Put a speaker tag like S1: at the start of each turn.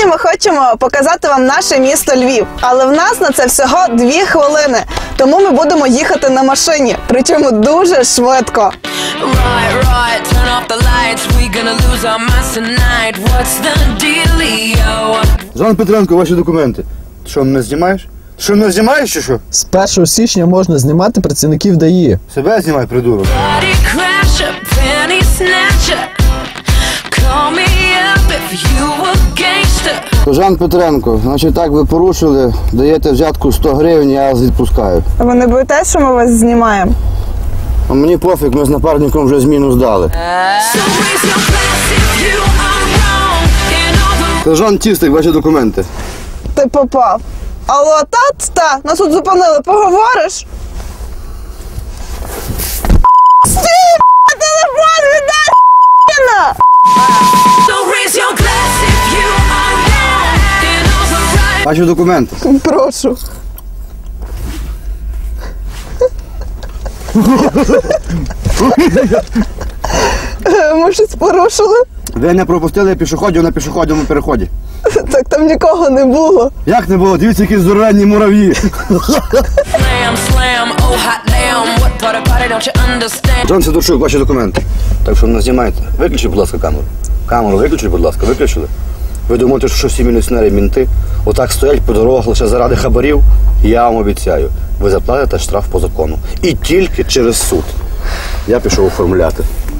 S1: Сьогодні ми хочемо показати вам наше місто Львів, але в нас на це всього 2 хвилини, тому ми будемо їхати на машині, причому дуже швидко.
S2: Жан Петренко, ваші документи. Ти що, мене знімаєш? Ти що, мене знімаєш чи що?
S3: З 1 січня можна знімати працівників ДАІ.
S2: Себе знімай, придурок. Жан Петренко, значить так ви порушили, даєте взятку 100 гривень, я вас відпускаю.
S1: Ви не боїтесь, що ми вас знімаємо?
S2: А мені пофіг, ми з напарником вже зміну здали. Сержант Тістик, ваші документи.
S1: Ти попав. Алло, та, нас тут зупинили, поговориш? Стій, телефон віддай, ***на!
S2: Ваші документи.
S1: Прошу. Ми щось порушили?
S2: Ви не пропустили пішоходів на пішохідному переході.
S1: Так там нікого не було.
S2: Як не було? Дивіться, які здоровенні мурав'ї. Джон Сидорчук, ваші документи. Так що не знімайте. Виключіть, будь ласка, камеру. Камеру виключіть, будь ласка, виключили. Ви думаєте, що всі міліціонери мінти отак стоять по дорогах лише заради хабарів? Я вам обіцяю, ви заплатите штраф по закону. І тільки через суд. Я пішов оформляти.